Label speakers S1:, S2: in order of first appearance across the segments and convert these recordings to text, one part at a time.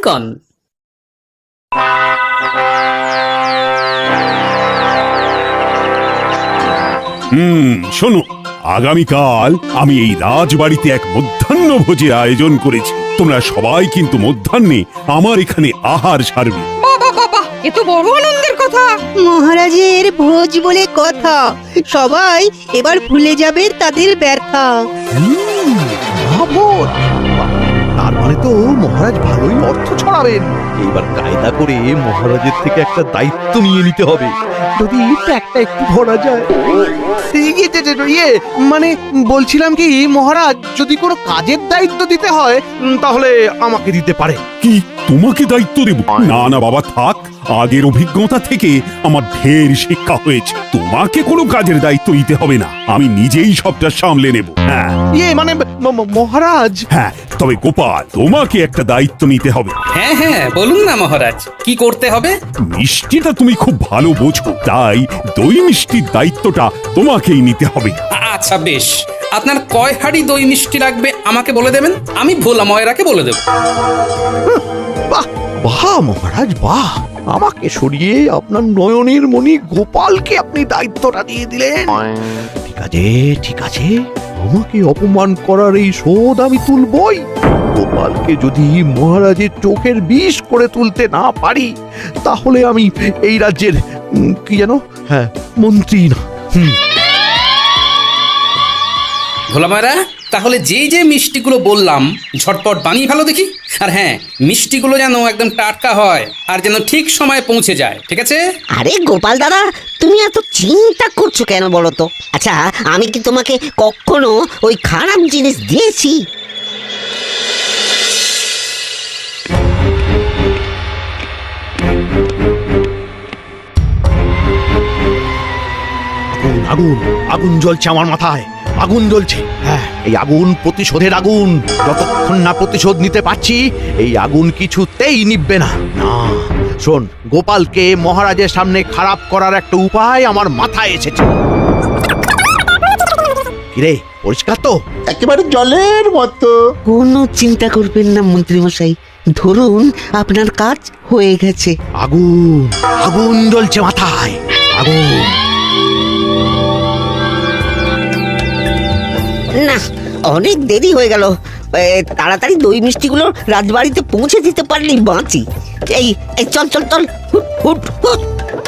S1: কন।
S2: শোনো, আগামীকাল আমি এই রাজবাড়িতে এক মধ্যাহ্ন ভোজের আয়োজন করেছি। তোমরা সবাই কিন্তু মধ্যাহ্নে আমার এখানে আহার সারবে।
S3: বাবা বাবা, এ তো বড় আনন্দের কথা।
S4: মহারাজের ভোজ বলে কথা, সবাই এবার ভুলে যাবে তাদের ব্যথা।
S5: মহাভোজ! বাহ, তার মানে তো মহারাজ ভালোই অর্থ ছড়াবেন। এইবার কায়দা করে মহারাজের থেকে একটা দায়িত্ব নিয়ে নিতে হবে, যদি একটা একটু ধরা যায়। ইয়ে মানে বলছিলাম কি, মহারাজ যদি কোনো কাজের দায়িত্ব দিতে হয় তাহলে আমাকে দিতে পারে।
S2: কি তোমাকে দায়িত্ব দেব? না না বাবা, থাক। আগের অভিজ্ঞতা থেকে আমার ঢের শিক্ষা হয়েছে। তোমাকে কোনো কাজের দায়িত্ব নিতে হবে না, আমি নিজেই সবটা সামলে নেব। হ্যাঁ
S5: ইয়ে মানে মহারাজ।
S2: হ্যাঁ, তবে গোপাল, তোমাকে একটা দায়িত্ব নিতে হবে।
S1: হ্যাঁ হ্যাঁ, বলুন না মহারাজ, কি করতে হবে?
S2: মিষ্টিটা তুমি খুব ভালো বোঝো, তাই দই মিষ্টির দায়িত্বটা তোমাকেই নিতে হবে।
S1: আচ্ছা বেশ, আপনার কয় হাঁড়ি দই মিষ্টি লাগবে আমাকে বলে দেবেন, আমি ভোলা ময়রাকে বলে দেব।
S5: বাহ বাহ মহারাজ বাহ, আমাকে সরিয়ে আপনার নয়নের মণি গোপালকে আপনি দায়িত্বটা দিয়ে দিলেন। ঠিক আছে ঠিক আছে, আমাকে অপমান করার এই শোধ আমি তুলবই। গোপালকে যদি মহারাজের চোখের বিষ করে তুলতে না পারি, তাহলে আমি এই রাজ্যের কি যেন, হ্যাঁ, মন্ত্রী না।
S1: ভোলা ময়রা, তাহলে যে যে মিষ্টিগুলো বললাম ঝটপট বানিয়ে ভালো দেখি। আর হ্যাঁ, মিষ্টিগুলো যেন একদম টাটকা হয় আর যেন ঠিক সময়ে পৌঁছে যায়, ঠিক আছে?
S6: আরে গোপাল দাদা, তুমি এত চিন্তা করছো কেন বলো তো? আচ্ছা, আমি কি তোমাকে কখনো ওই খারাপ জিনিস দিয়েছি?
S5: আগুন আগুন আগুন জ্বলছে আমার মাথায়, আগুন জ্বলছে। হ্যাঁ, এই আগুন প্রতিশোধের আগুন। যতক্ষণ না প্রতিশোধ নিতে পারছি, এই আগুন কিছুতেই নিভবে না। না, শোন, গোপালকে মহারাজের সামনে খারাপ করার একটা উপায় আমার মাথায় এসেছে। কিরে, পরিষ্কার তো?
S7: একেবারে জলের মতো।
S6: কোনো চিন্তা করবেন না মন্ত্রী মশাই, ধরুন আপনার কাজ হয়ে গেছে।
S5: আগুন আগুন জ্বলছে মাথায়, আগুন।
S6: না, অনেক দেরি হয়ে গেল। তাড়াতাড়ি দই মিষ্টিগুলো রাজবাড়িতে পৌঁছে দিতে পারলেই বাঁচি। এই এই চল চল চল, হুট হুট হুট।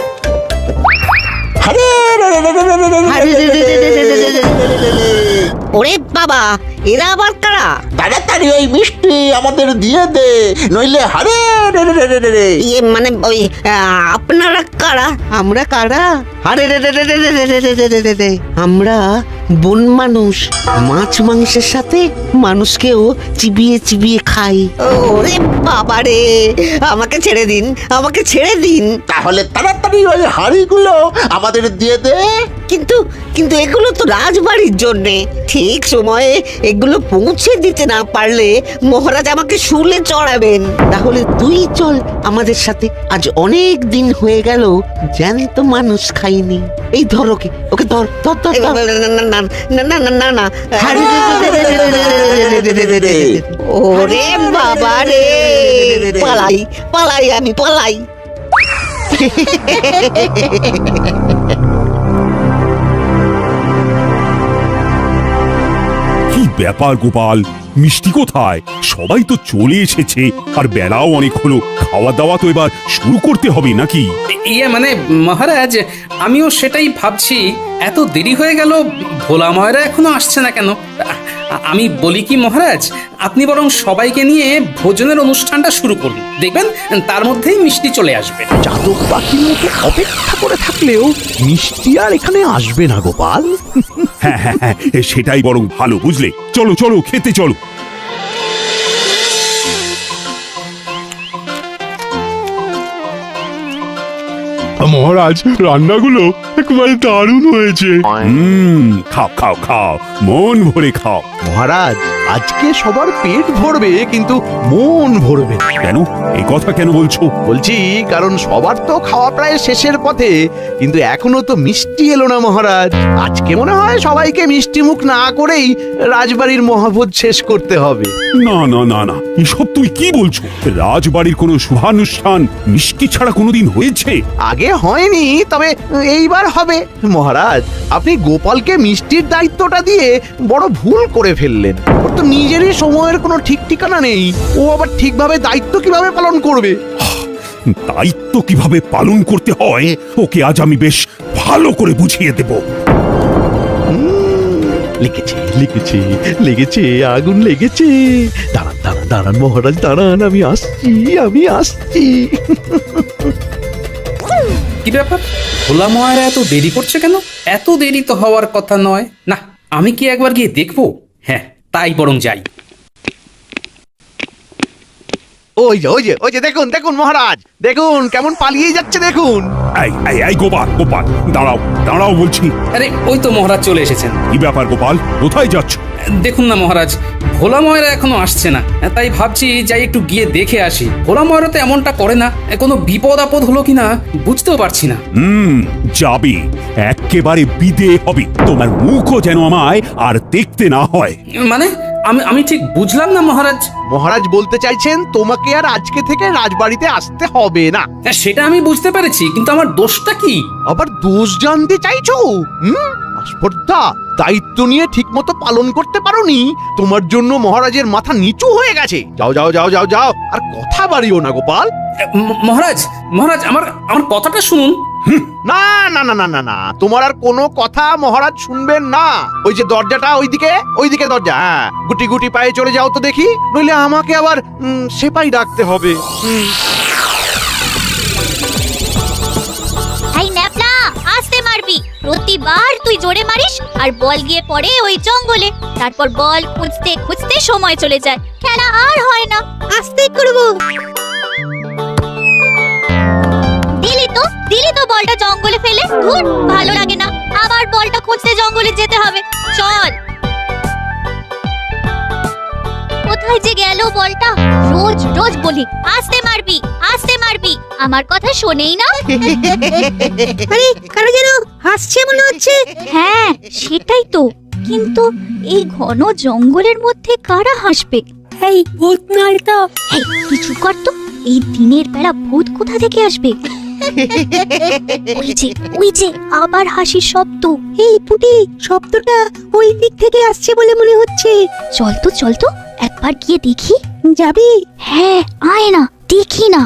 S6: ওরে বাবা, এরা আবার কারা?
S7: তাড়াতাড়ি ওই মিষ্টি আমাদের দিয়ে দে, নইলে হারে রে রে রে রে রে।
S6: ইয়ে মানে ওই আপনারা কারা?
S4: আমরা কারা?
S6: আরে রে রে রে রে রে রে রে রে রে রে। আমরা বন মানুষ, মাছ মাংসের সাথে মানুষকেও চিবিয়ে চিবিয়ে খাই। ওরে বাবা রে, আমাকে ছেড়ে দিন, আমাকে ছেড়ে দিন।
S7: তাহলে তাড়াতাড়ি ওই হাড়িগুলো আমাদের দিয়ে দে।
S6: কিন্তু কিন্তু এগুলো তো রাজবাড়ির জন্যে, ঠিক সময়ে এগুলো পৌঁছে দিতে না পারলে মহারাজ আমাকে শুলে চড়াবেন। তাহলে তুই চল আমাদের সাথে, আজ অনেক দিন হয়ে গেল জ্যান্ত মানুষ খাইনি। এই ধর ওকে, ওকে ধর ধর ধর ধর। না না না না না না। ওরে বাবা রে, পালাই পালাই, আমি পালাই।
S2: কি ব্যাপার গোপাল, মিষ্টি কোথায়? সবাই তো চলে এসেছে, আর বেলাও অনেক হলো। খাওয়া দাওয়া তো এবার শুরু করতে হবে নাকি?
S1: ইয়ে মানে মহারাজ, আমিও সেটাই ভাবছি, এত দেরি হয়ে গেল, ভোলা ময়রা এখনো আসছে না কেন? আমি বলি কি মহারাজ, আপনি বরং সবাইকে নিয়ে ভোজনের অনুষ্ঠানটা শুরু করুন, দেখবেন তার মধ্যেই মিষ্টি চলে আসবে।
S5: চাতক পাখির মতো অপেক্ষা করে থাকলেও মিষ্টি আর এখানে আসবে না গোপাল।
S2: হ্যাঁ হ্যাঁ হ্যাঁ, সেটাই বরং ভালো, বুঝলে? চলো চলো, খেতে চলো।
S8: মহারাজ, রান্নাগুলো একেবারে দারুণ হয়েছে।
S2: খাও খাও খাও, মন ভরে খাও।
S5: মহারাজ আজকে সবার পেট ভরবে কিন্তু মন ভরবে না।
S2: কেন এই কথা কেন বলছো?
S5: বলছি কারণ সবার তো খাওয়া প্রায় শেষের পথে, কিন্তু এখনো তো মিষ্টি এলো না মহারাজ। আজকে মনে হয় সবাইকে মিষ্টি মুখ না করেই রাজবাড়ির মহাভোজ শেষ করতে হবে।
S2: না না না না, এসব তুই কি বলছো? রাজবাড়ির কোনো শুভানুষ্ঠান মিষ্টি ছাড়া কোনোদিন হয়েছে?
S5: আগে হয়নি, তবে এইবার হবে। মহারাজ আপনি গোপালকে মিষ্টির দায়িত্বটা দিয়ে বড় ভুল করে ফেললেন। ওর তো নিজেরই সময়ের কোনো ঠিক ঠিকানা নেই, ও আবার ঠিকভাবে দায়িত্ব কিভাবে পালন করবে?
S2: দায়িত্ব কিভাবে পালন করতে হয় ওকে আজ আমি বেশ ভালো করে বুঝিয়ে দেব।
S5: লেগেছে লেগেছে লেগেছে, আগুন লেগেছে। দাঁড়ান দাঁড়ান দাঁড়ান মহারাজ দাঁড়ান, আমি আসছি।
S1: কি ব্যাপার, ভোলা ময়রা এত দেরি করছে কেন? এত দেরি তো হওয়ার কথা নয়। না, আমি কি একবার গিয়ে দেখবো? হ্যাঁ, তাই বরং যাই।
S5: ওই যে দেখুন দেখুন মহারাজ, দেখুন কেমন পালিয়ে যাচ্ছে দেখুন।
S2: এই এই এই গোপাল গোপাল, দাঁড়াও দাঁড়াও বলছি।
S1: আরে ওই তো মহারাজ চলে এসেছেন।
S2: কি ব্যাপার গোপাল, কোথায় যাচ্ছ?
S1: দেখুন না মহারাজ, ভোলা ময়রা এখনো আসছে না, তাই ভাবছি যাই একটু গিয়ে দেখে আসি। ভোলা ময়রা তো এমনটা করে না, কোনো বিপদ আপদ হলো কিনা বুঝতেও পারছি না।
S2: যাবে, একেবারে বিদে হবে। তোমার মুখও যেন আমায় আর দেখতে না হয়।
S1: মানে আমি ঠিক বুঝলাম না মহারাজ।
S5: মহারাজ বলতে চাইছেন তোমাকে আর আজকে থেকে রাজবাড়িতে আসতে হবে না।
S1: সেটা আমি বুঝতে পেরেছি, কিন্তু আমার দোষটা কি?
S5: আবার দোষ জানতে চাইছো? আস্পর্ধা, দায়িত্ব নিয়ে ঠিকমতো পালন করতে পারোনি, তোমার জন্য মহারাজের মাথা নিচু হয়ে গেছে। যাও যাও যাও যাও যাও, আর কথা বাড়িও না গোপাল।
S1: মহারাজ মহারাজ আমার কথাটা শুনুন।
S5: না না না না না না, তোমার আর কোনো কথা মহারাজ শুনবেন না। ওই যে দরজাটা ওইদিকে দরজা, হ্যাঁ, গুটি গুটি পায়ে চলে যাও তো দেখি, নইলে আমাকে আবার সেপাই ডাকতে হবে।
S9: এই ন্যাপলা, আস্তে মারবি। প্রতিবার তুই জোরে মারিস আর বল গিয়ে পড়ে ওই জঙ্গলে। তারপর বল খুঁজতে খুঁজতে সময় চলে যায়, খেলা আর হয় না।
S4: আস্তে করব।
S9: দিলি তো বলটা জঙ্গলে ফেলে। ধুর, ভালো লাগে না, আবার বলটা খুঁজতে জঙ্গলে যেতে হবে। চল, কোথায় যে গেল বলটা? রোজ রোজ বলি আস্তে মারবি আস্তে মারবি, আমার কথা শোনেই না।
S4: আরে কারো যেন হাসছে মনে হচ্ছে।
S9: হ্যাঁ সেটাই তো, কিন্তু এই ঘন জঙ্গলের মধ্যে কারা হাসবে?
S4: এই ভূত নয় তো?
S9: এই কিছু কর তো, এই দিনের বেলা ভূত কোথা থেকে আসবে? ওই যে আবার হাসির শব্দ।
S4: এই পুটি, শব্দটা ওই দিক থেকে আসছে বলে মনে হচ্ছে।
S9: চল তো একবার গিয়ে দেখি।
S4: যাবি?
S9: হ্যাঁ আয় না, দেখি না।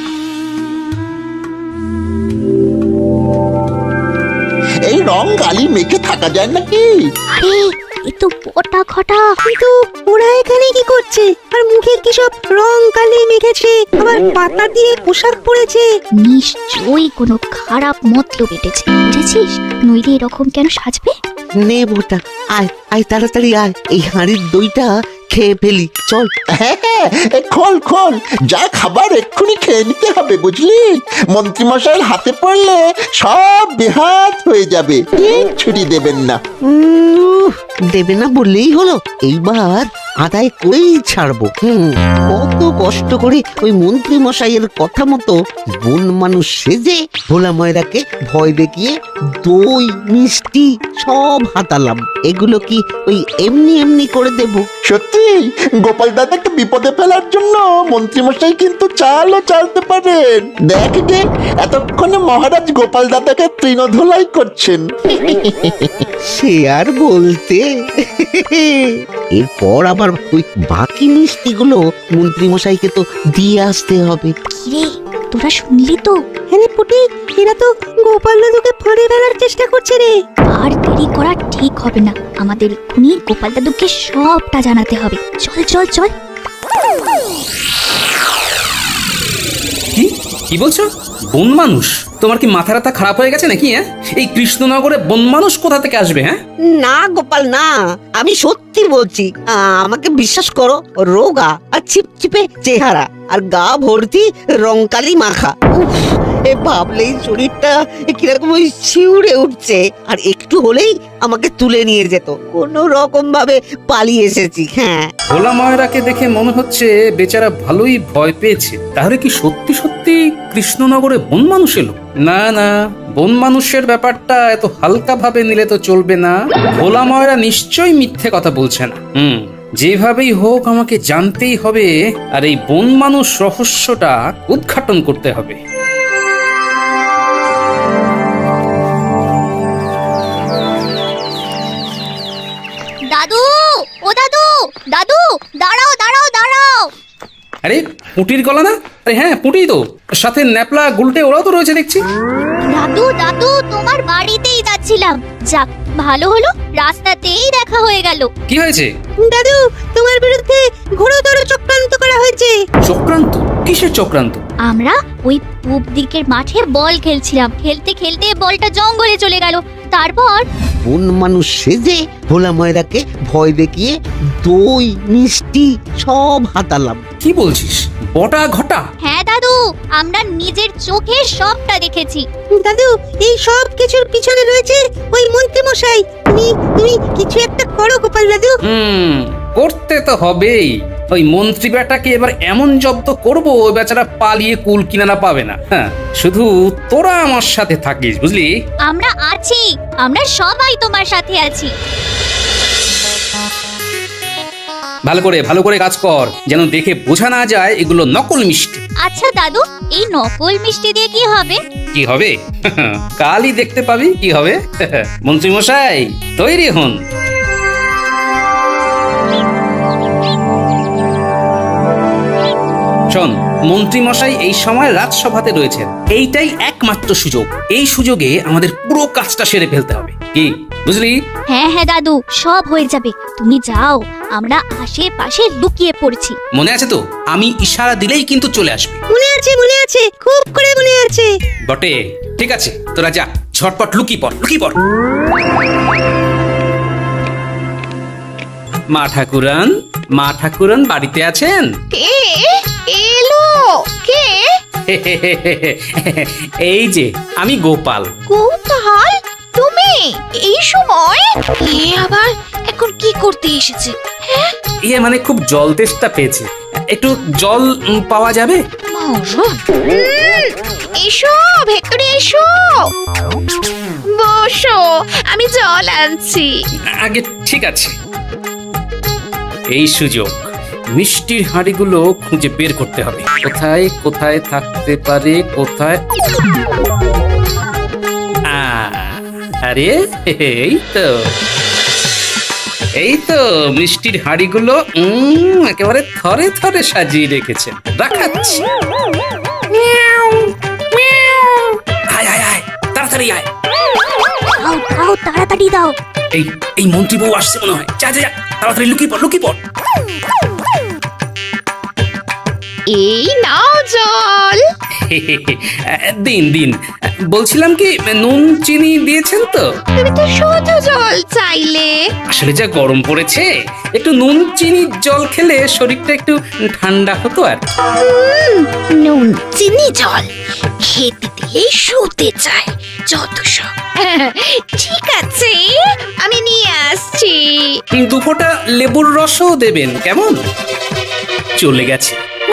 S7: এই রং গালি মেখে থাকা যায় নাকি?
S9: আরে এ তো পটা খটা।
S4: কিন্তু ওরা এখানে কি করছে? আর মুখে কি সব রং কালি মেখেছে, আবার পাতা দিয়ে পোশাক পরেছে।
S9: নিশ্চয়ই কোনো খারাপ মতলব এঁটেছে, বুঝেছিস? নইলে এরকম কেন সাজবে?
S6: নে বোটা, আয় আয় তাড়াতাড়ি আয়, এই হাঁড়ির দইটা খেয়ে ফেলি, চল।
S7: হ্যাঁ হ্যাঁ, খোল খোল, যা খাবার এক্ষুনি খেয়ে নিতে হবে বুঝলি। মন্ত্রীমশাইয়ের হাতে পড়লে সব বেহাত হয়ে যাবে, ছুটি দেবেন না।
S6: দেবে না বললেই হলো, এইবার আদায় করেই ছাড়বো। কত কষ্ট করে ওই মন্ত্রী মশাইয়ের কথা মতো বন মানুষ সেজে ভোলা ময়রাকে ভয় দেখিয়ে দই মিষ্টি সব হাতালাম। এগুলো কি ওই এমনি এমনি করে দেব?
S7: সত্যি গোপাল দাদাকে বিপদে ফেলার জন্য মন্ত্রীমশাই কিন্তু চালও চালতে পারেন। দেখ গে, এতক্ষণে মহারাজ গোপাল দাদাকে তৃণধোলাই করছেন।
S6: সে আর বলতে। এরপর আবার ওই বাকি মিষ্টিগুলো মন্ত্রী মশাইকে তো দিয়ে আসতে হবে।
S9: কিরে, তোরা শুনলি তো?
S4: হ্যাঁ পুটি, এরা তো গোপাল দাদুকে ফাঁড়ে ফেলার চেষ্টা করছে রে।
S9: আর দেরি করা ঠিক হবে না, আমাদের এক্ষুনি গোপাল দাদুকে সবটা জানাতে হবে। চল চল চল।
S1: কি বলছো? বন মানুষ? তোমার কি মাথা রাতা খারাপ হয়ে গেছে নাকি? হ্যাঁ, এই কৃষ্ণনগরে বন মানুষ কোথা থেকে আসবে? হ্যাঁ
S6: না গোপাল না, আমি সত্যি বলছি। আমাকে বিশ্বাস করো, রোগা আর চিপচিপে চেহারা আর গা ভর্তি রংকালি মাখা। উফ, ভাবলেই শরীরটা কিরকম ওই শিউরে উঠছে। আর একটু হলেই আমাকে তুলে নিয়ে যেত, কোনো রকম ভাবে পালিয়ে এসেছি। হ্যাঁ,
S1: ভোলা ময়রাকে দেখে মনে হচ্ছে বেচারা ভালোই ভয় পেয়েছে। তাহলে কি সত্যি সত্যি কৃষ্ণনগরে বন মানুষ এলো? না না, বন মানুষের ব্যাপারটা এত হালকা ভাবে নিলে তো চলবে না। ভোলা ময়রা নিশ্চয়ই মিথ্যে কথা বলছে না। যেভাবেই হোক আমাকে জানতেই হবে, আর এই বন মানুষ রহস্যটা উদ্ঘাটন করতে হবে।
S9: দাদু, ও দাদু, দাদু, দাঁড়াও দাঁড়াও দাঁড়াও।
S1: আরে পুটির গলা না? আরে হ্যাঁ, পুটি তো, সাথে ন্যাপলা গুলটে ওরাও তো রয়েছে দেখছি।
S9: দাদু দাদু, তোমার বাড়িতেই যাচ্ছিলাম। যাক, ভালো হলো, রাস্তাতেই দেখা হয়ে গেল।
S1: কি হয়েছে?
S4: দাদু, তোমার বিরুদ্ধে ঘোরতর চক্রান্ত করা হয়েছে।
S1: চক্রান্ত? কিসের চক্রান্ত?
S9: আমরা ওই পূব দিকের মাঠে বল খেলছিলাম, খেলতে খেলতে বলটা জঙ্গলে চলে গেল। তারপর
S6: বন মানুষ সেজে ভোলা ময়রাকে ভয় দেখিয়ে দই মিষ্টি সব হাতালাম।
S1: কি বলছিস? বটা ঘটা?
S9: হ্যাঁ দাদু, আমরা নিজের চোখে সবটা দেখেছি।
S4: দাদু, এই সব কিছুর পিছনে রয়েছে ওই মন্ত্রী মশাই। তুমি কিছু একটা করো গোপাল দাদু।
S1: করতে তো হবেই। ওই মন্ত্রী বেটাকে এবার এমন জব্দ করবো, ওই বেচারা পালিয়ে কুল কিনারা পাবে না। হ্যাঁ, শুধু তোরা আমার সাথে থাকিস, বুঝলি?
S9: আমরা আছি, আমরা সবাই তোমার সাথে আছি।
S1: ভালো করে কাজ কর, যেন দেখে বোঝা না যায় এগুলো নকল মিষ্টি।
S9: আচ্ছা দাদু, এই নকল মিষ্টি দিয়ে কি হবে?
S1: কি হবে? কালই দেখতে পাবি কি হবে। মন্ত্রী মশাই, তৈরি হন। শোন, মন্ত্রী মশাই এই সময় রাজসভাতে রয়েছেন। এইটাই একমাত্র সুযোগ। এই সুযোগে আমাদের পুরো কাজটা সেরে ফেলতে হবে। কি বুঝলি?
S9: হ্যাঁ হ্যাঁ দাদু, সব হয়ে যাবে। তুমি যাও, আমরা আশেপাশে লুকিয়ে পড়ছি।
S1: মনে আছে তো? আমি ইশারা দিলেই কিন্তু চলে আসবে।
S4: মনে আছে, খুব করে মনে আছে।
S1: বটে, ঠিক আছে, তোরা যা, ঝটপট লুকিয়ে পড়। মা ঠাকুরান বাড়িতে আছেন?
S3: কে এলো? কে?
S1: এই যে আমি গোপাল।
S3: কৌতূহল, তুমি এই সময়? এ আবার এখন কি করতে এসেছে? হ্যাঁ,
S1: মানে খুব জল তেষ্টা পেয়েছে, একটু জল পাওয়া যাবে?
S3: এসো ভেতরে এসো, বসো, আমি জল আনছি।
S1: আগে ঠিক আছে, এই সুযোগ মিষ্টির হাঁড়িগুলো খুঁজে বের করতে হবে। কোথায় কোথায় থাকতে পারে, কোথায়? আরে এই তো মিষ্টির হাঁড়িগুলো একেবারে থরে থরে সাজিয়ে রেখেছেন। রাখাচ্ছি। আয় আয় আয়, তাড়াতাড়ি আয়।
S9: দাও, তাড়াতাড়ি দাও।
S1: এই মন্ত্রী বউ আসছে মনে হয়। যা যা যা, তাড়াতাড়ি লুকিয়ে পড়।
S3: এই নাও জল।
S1: দিন। বলছিলাম কি, নুন চিনি দিয়েছেন তো?
S3: তুমি তো শুধু জল চাইলে।
S1: আসলে যা গরম পড়েছে, একটু নুন চিনির জল খেলে শরীরটা একটু ঠান্ডা হতো। আর
S3: নুন চিনি জল খেতে দিলেই শুতে চায় যত সব। ঠিক আছে, আমি নিয়ে আসছি।
S1: 2 ফোঁটা লেবুর রসও দেবেন, কেমন? চলে গেছে।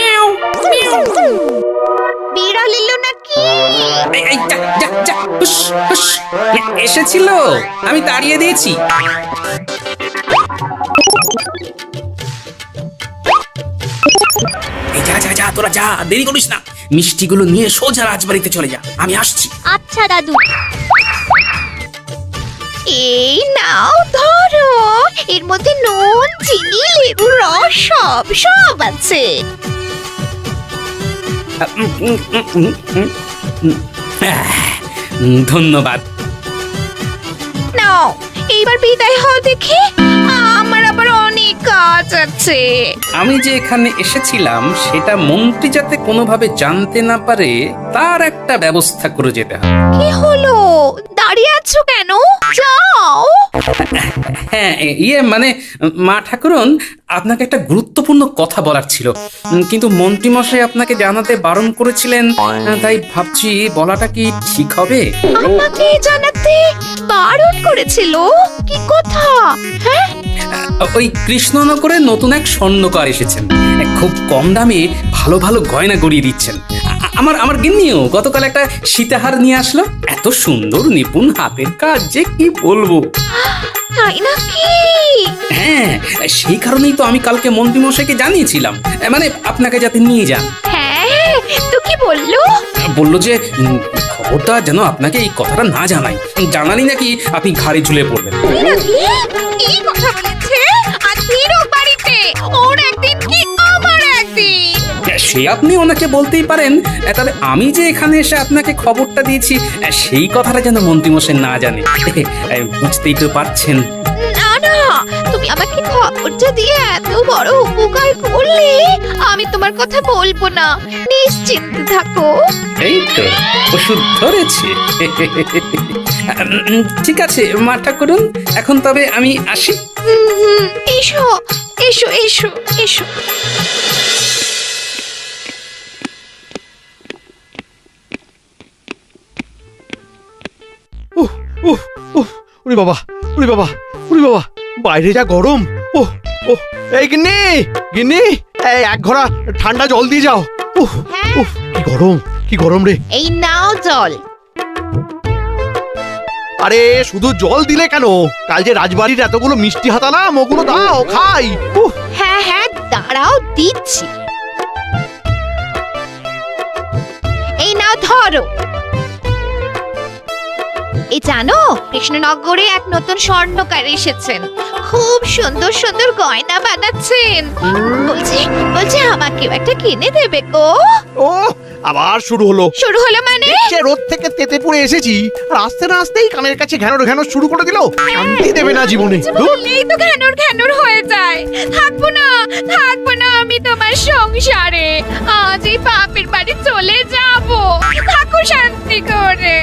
S3: বিড়াল এলো নাকি?
S1: এই, যা, হুস। এসেছিল, আমি তাড়িয়ে দিয়েছি। যা, তোরা যা, দেরি করিস না। মিষ্টিগুলো নিয়ে সোজা রাজবাড়িতে চলে যা, আমি আসছি।
S9: আচ্ছা দাদু।
S3: এই নাও ধরো, এর মধ্যে নুন চিনি লেবুর রস সব আছে।
S1: ধন্যবাদ।
S3: নাও, এইবার বিদায় হও দেখি, আমার আবার অনেক কাজ আছে।
S1: আমি যে এখানে এসেছিলাম সেটা মন্ত্রী যাতে কোনোভাবে জানতে না পারে, তার একটা ব্যবস্থা করে যেতে হবে।
S3: কি হলো? দাঁড়িয়ে আছো কেন? যাও।
S1: হ্যাঁ ইয়ে মানে মা ঠাকুরন, আপনাকে একটা গুরুত্বপূর্ণ কথা বলার ছিল, কিন্তু মন্ত্রীমশাই আপনাকে জানাতে বারণ করেছিলেন, তাই ভাবছি বলাটা কি ঠিক হবে?
S3: আমাকে জানাতে বারণ করেছিল? কি কথা? হ্যাঁ,
S1: ওই কৃষ্ণনগরে নতুন এক স্বর্ণকার এসেছেন, খুব কম দামে ভালো ভালো গয়না গড়িয়ে দিচ্ছেন। আমার গিন্নিও গতকাল একটা সীতাহার নিয়ে আসলো, এত সুন্দর নিপুণ হাতের কাজ যে কি বলবো।
S3: তাই নাকি?
S1: হ্যাঁ, সেই কারণেই তো আমি কালকে মন্ত্রীমশাইকে জানিয়েছিলাম, মানে আপনাকে যাতে নিয়ে যান।
S3: হ্যাঁ, তো কি বললো?
S1: বললো যে খবরদার যেন আপনাকে এই কথাটা না জানাই, জানালি নাকি আপনি ঘাড়ে ঝুলে পড়বেন।
S3: তাই নাকি? এই কথা বলেছে? আজ ফিরো বাড়িতে, ওর একদিন কি আমার একদিন।
S1: সে আপনি ওনাকে বলতেই পারেন, তবে আমি যে এখানে এসে আপনাকে খবরটা দিয়েছি সেই কথাটা যেন মন্ত্রীমশাই না জানে। বুঝতেই তো পারছেন।
S3: না না, তুমি আমাকে খবরটা দিয়ে এত বড় উপকার করলে আমি তোমার কথা বলবো না, নিশ্চিন্ত থাকো।
S1: এই তো ওষুধ ধরেছে। ঠিক আছে মা ঠাকুরন, এখন তবে আমি আসি।
S3: এসো এসো এসো এসো।
S5: উহ, উহ, উহ, ওরে বাবা, ওরে বাবা, ওরে বাবা, বাইরে যা গরম। ওহ, ওহ, এই গিন্নি, গিন্নি, এই এক ঘোড়া ঠান্ডা জল দিয়ে যাও। উহ, উহ, কি গরম রে।
S3: এই নাও জল।
S5: আরে শুধু জল দিলে কেন? কাল যে রাজবাড়ির এতগুলো মিষ্টি হাতালাম, ওগুলো দাও খাই। উহ,
S3: হ্যাঁ হ্যাঁ, দাঁড়াও দিচ্ছি। এই নাও ধরো। এই জানো, কৃষ্ণনগরে এক নতুন স্বর্ণকার এসেছেন, খুব সুন্দর সুন্দর গয়না বানাচ্ছেন। বলছি বলছি আমাকেও একটা কিনে দেবে গো।
S5: ও আবার শুরু হলো।
S3: শুরু হলো মানে?
S5: সে রোদ থেকে তেতে পড়ে এসেছি, আর আসতে না আসতেই কানের কাছে ঘ্যানোর ঘ্যানোর শুরু করে দিল। শান্তি দেবে না জীবনে। ধুর।
S3: বললেই তো ঘ্যানোর ঘ্যানোর হয়ে যায়। থাকবো না আমি তোমার সংসারে। আজ এই বাপের বাড়ি চলে যাব। থাকো শান্তি করে।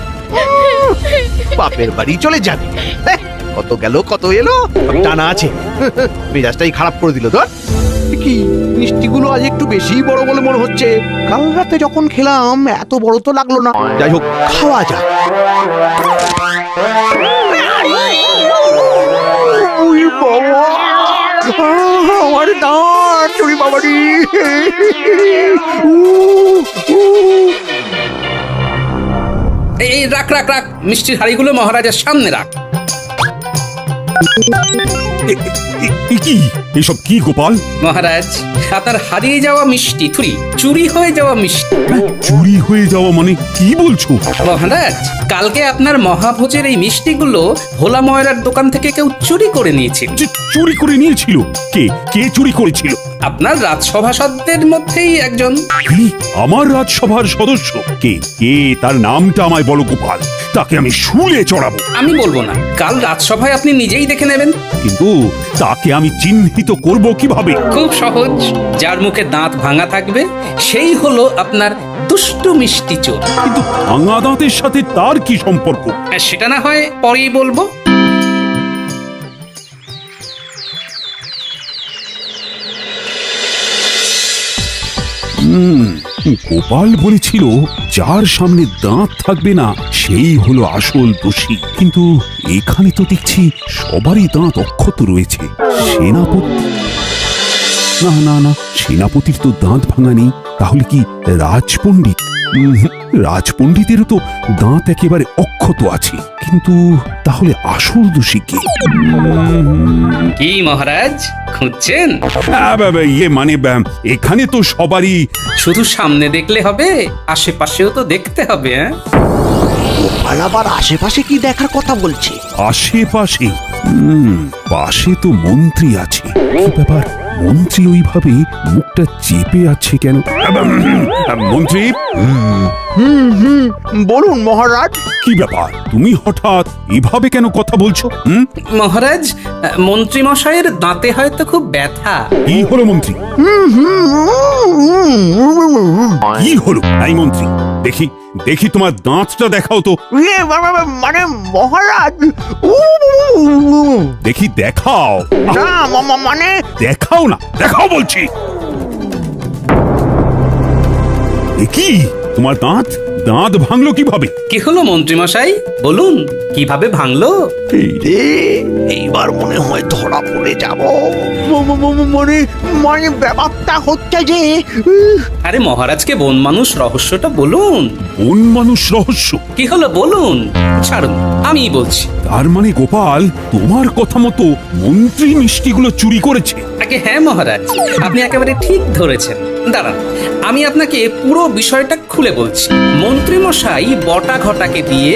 S5: বাপের বাড়ি চলে যাবি? এহ, কত গেল কত এলো, সব টানা আছে। মেজাজটাই খারাপ করে দিল তোর। কি মিষ্টিগুলো আজ একটু বেশি বড় বলে মনে হচ্ছে। কাল রাতে যখন খেলাম এত বড় তো লাগলো না। যাই হোক, খাওয়া যাক। ওই বাবা, আমার দাঁত, ওই বাবারি।
S1: এই রাখ রাখ রাখ, মিষ্টির হাড়িগুলো মহারাজার সামনে রাখ।
S2: কি এসব কি গোপাল?
S1: মহারাজ, আপনার হারিয়ে যাওয়া মিষ্টি, চুরি হয়ে যাওয়া মিষ্টি।
S2: চুরি হয়ে যাওয়া মানে কি বলছো?
S1: মহারাজ, কালকে আপনার মহাভোজের এই মিষ্টিগুলো ভোলা ময়রার দোকান থেকে কেউ চুরি করে নিয়েছিল।
S2: চুরি করে নিয়েছিল? কে কে চুরি করেছিল?
S1: আপনার রাজসভাসদের মধ্যেই একজন।
S2: কি? আমার রাজসভার সদস্য? কে কে তার নামটা আমায় বলো গোপাল, তাকে আমি শুলে চড়াবো।
S1: আমি বলবো না, কাল রাজসভায় আপনি নিজেই দেখে নেবেন।
S2: কিন্তু তাকে আমি চিহ্নিত করব কিভাবে?
S1: খুব সহজ, যার মুখে দাঁত ভাঙা থাকবে সেই হলো আপনার দুষ্টু মিষ্টি চোর।
S2: কিন্তু ভাঙা দাঁতের সাথে তার কি সম্পর্ক?
S1: সেটা না হয় পরেই বলবো।
S2: গোপাল বলেছিল যার সামনে দাঁত থাকবে না সেই হলো আসল দোষী, কিন্তু এখানে তো দেখছি সবারই দাঁত অক্ষত রয়েছে। সেনাপতি? না না না, সেনাপতির তো দাঁত ভাঙা নেই। তাহলে কি রাজপণ্ডিত? রাজপণ্ডিতেরও তো দাঁত একেবারে অক্ষত আছে, কিন্তু তাহলে আসল দোষী কে?
S1: কি মহারাজ, খুঁজছেন?
S2: ইয়ে মানে এখানে তো সবারই।
S1: শুধু সামনে দেখলে হবে, আশেপাশেও তো দেখতে হবে।
S5: গোপাল আবার আশেপাশে কি দেখার কথা বলছে?
S2: আশেপাশে? পাশে তো মন্ত্রী আছে। কি ব্যাপার, মন্ত্রী ওইভাবে মুখটা চেপে আছে কেন? মন্ত্রী,
S5: বলুন মহারাজ।
S2: কি ব্যাপার, তুমি হঠাৎ এভাবে কেন কথা বলছো?
S1: মহারাজ, মন্ত্রী মশাইয়ের দাঁতে হয়তো খুব ব্যথা।
S2: কি হলো মন্ত্রী? কি হলো? এই মন্ত্রী, দেখি দেখি তোমার দাঁতটা দেখাও তো।
S5: মানে মহারাজ,
S2: দেখি দেখাও।
S5: না মানে
S2: দেখাও না, দেখাও বলছি। কি তোমার দাঁত দাঁত ভাঙলো কিভাবে?
S1: কি হলো মন্ত্রী মশাই, বলুন কিভাবে ভাঙলো?
S5: এই রে, এইবার মনে হয় ধরা পড়ে যাব। মানে মানে ব্যাপারটা হচ্ছে যে
S1: আরে মহারাজকে বন মানুষ রহস্যটা বলুন।
S2: কোন মানুষ রহস্য?
S1: কি হলো বলুন। ছাড়ুন, আমিই বলছি।
S2: তার মানে গোপাল তোমার কথা মতো মন্ত্রী মিষ্টিগুলো চুরি করেছে?
S1: আগে হ্যাঁ মহারাজ, আপনি একেবারে ঠিক ধরেছেন। দাঁড়ান, আমি আপনাকে পুরো বিষয়টা খুলে বলছি। মন্ত্রী মশাই বটা ঘটাকে দিয়ে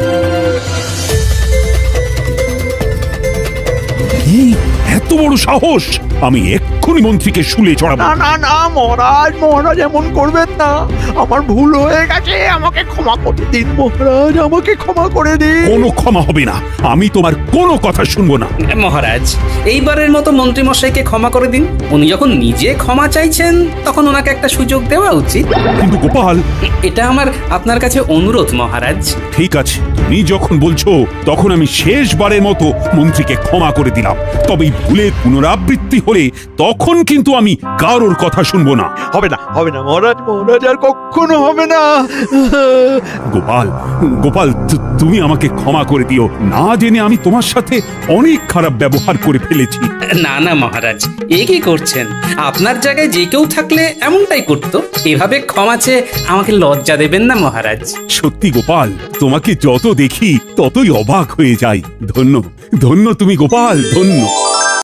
S2: কি এত বড় সাহস! আমি এক্ষুনি মন্ত্রীকে শুলে চড়াবো।
S5: না না না মহারাজ, মহারাজ এমন করবেন না। আমার ভুল হয়ে গেছে, আমাকে ক্ষমা করে দিন মহারাজ, আমাকে ক্ষমা করে দিন।
S2: কোনো ক্ষমা হবে না, আমি তোমার কোনো কথা শুনবো না।
S1: মহারাজ, এইবারের মতো মন্ত্রী মশাইকে ক্ষমা করে দিন। উনি যখন নিজে ক্ষমা চাইছেন তখন ওনাকে একটা সুযোগ দেওয়া উচিত।
S2: কিন্তু গোপাল,
S1: এটা আমার আপনার কাছে অনুরোধ মহারাজ।
S2: ঠিক আছে, তুমি যখন বলছো তখন আমি শেষবারের মতো মন্ত্রীকে ক্ষমা করে দিলাম। তবে এই ভুলের পুনরাবৃত্তি হলে তখন কিন্তু আমি কারোর কথা শুনবো না।
S5: হবে না, হবে না মহারাজ, মহারাজ আর কখনো হবে না।
S2: গোপাল, গোপাল, তুমি আমাকে ক্ষমা করে দিও। না জেনে আমি তোমার সাথে অনেক খারাপ ব্যবহার করে ফেলেছি।
S1: না না মহারাজ, এ কি করছেন? আপনার জায়গায় যে কেউ থাকলে এমনটাই করতো। এভাবে ক্ষমা চেয়ে আমাকে লজ্জা দেবেন না মহারাজ।
S2: সত্যি গোপাল, তোমাকে যত দেখি ততই অবাক হয়ে যাই। ধন্য ধন্য তুমি গোপাল, ধন্য।